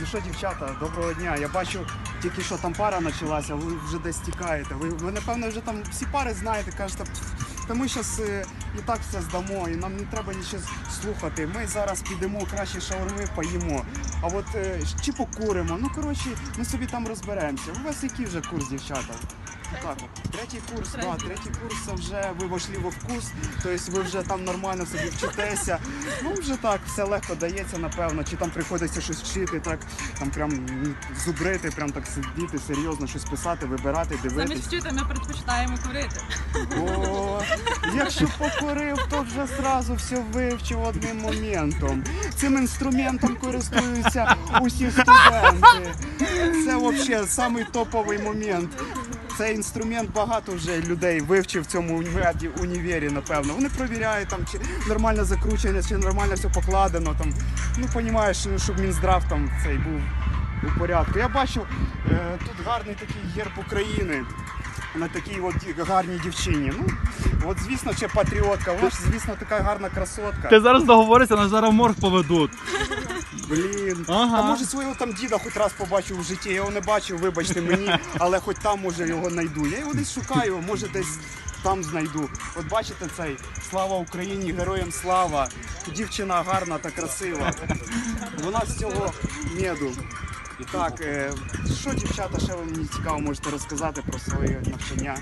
Ну що, дівчата, доброго дня. Я бачу, тільки що там пара почалася, ви вже десь тікаєте. Ви напевно, вже там всі пари знаєте, кажете, та ми зараз і так все здамо, і нам не треба нічого слухати. Ми зараз підемо, краще шаурми поїмо. А от чи покуримо, ну коротше, ми собі там розберемося. У вас який вже курс, дівчата? Так, третій курс, третій курс, це вже ви вошли во вкус, тобто ви вже там нормально собі вчитеся. Ну вже так, все легко дається, напевно, чи там приходиться щось вчити, так, там прям зубрити, прям так сидіти, серйозно щось писати, вибирати, дивитися. Замість вчити ми предпочитаємо курити. О, якщо покурив, то вже зразу все вивчив одним моментом. Цим інструментом користуються усі студенти. Це взагалі самий топовий момент. Цей інструмент багато вже людей вивчив в цьому універі, напевно. Вони перевіряють, там, чи нормально закручено, чи нормально все покладено. Там. Ну, розумієш, щоб Мінздрав там цей був у порядку. Я бачу, тут гарний такий герб України на такій от гарній дівчині. Ну, от, звісно, ще патріотка, вона ж, звісно, така гарна красотка. Ти зараз договоришся, нас зараз в морг поведуть. Блін, Ага. Та може свого там діда хоч раз побачив у житті, я його не бачив, вибачте мені, але хоч там може його знайду. Я його десь шукаю, може десь там знайду. От бачите цей, слава Україні, героям слава, дівчина гарна та красива. Вона з цього меду. І так, що, дівчата, ще ви мені цікаво можете розказати про своє навчання?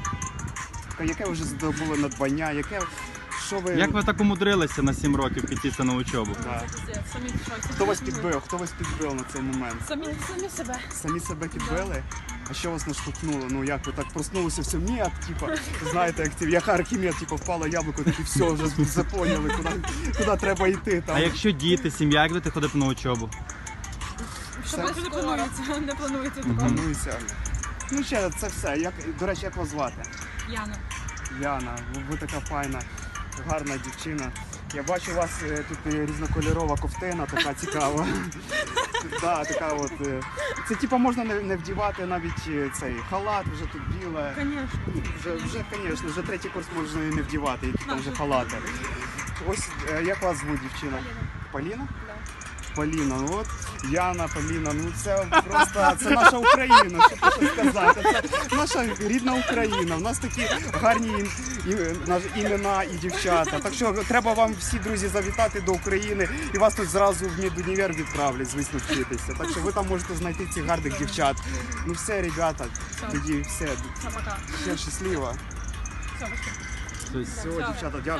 Яке ви вже здобули надбання, що ви... Як ви так умудрилися на 7 років піти на учобу? Да. Самі в шоці. Хто вас підбив? Хто вас підбив на цей момент? Самі себе. Самі себе підбили? А що вас наштовхнуло? Ну як ви так проснулися, все м'ят, типа, знаєте, як Архімед, типа, впало яблуко, такі все, вже поняли, куди треба йти. Там. А якщо діти, сім'я, як будете ходити на учобу? Щоб не планується, не планується такого. Планується. Ну ще, це все. До речі, як вас звати? Яна. Яна, ви така файна, гарна дівчина. Я бачу у вас тут різнокольорова ковтина, така цікава. Да, така от, це типу можна не вдівати навіть цей халат, вже тут біле. Звісно. Звісно, вже третій курс можна і не вдівати, які там вже халати. Ось як вас звуть, дівчина? Поліна? Поліна, ну от Яна, Поліна, ну це просто, це наша Україна, що тут сказати, це наша рідна Україна, у нас такі гарні імена і дівчата, так що треба вам всі, друзі, завітати до України і вас тут зразу в медунівер відправлять, звісно, вчитися, так що ви там можете знайти цих гарних дівчат. Ну все, ребята, тоді все, Все, пока. все щасливо. Все, Все, дівчата, дякую.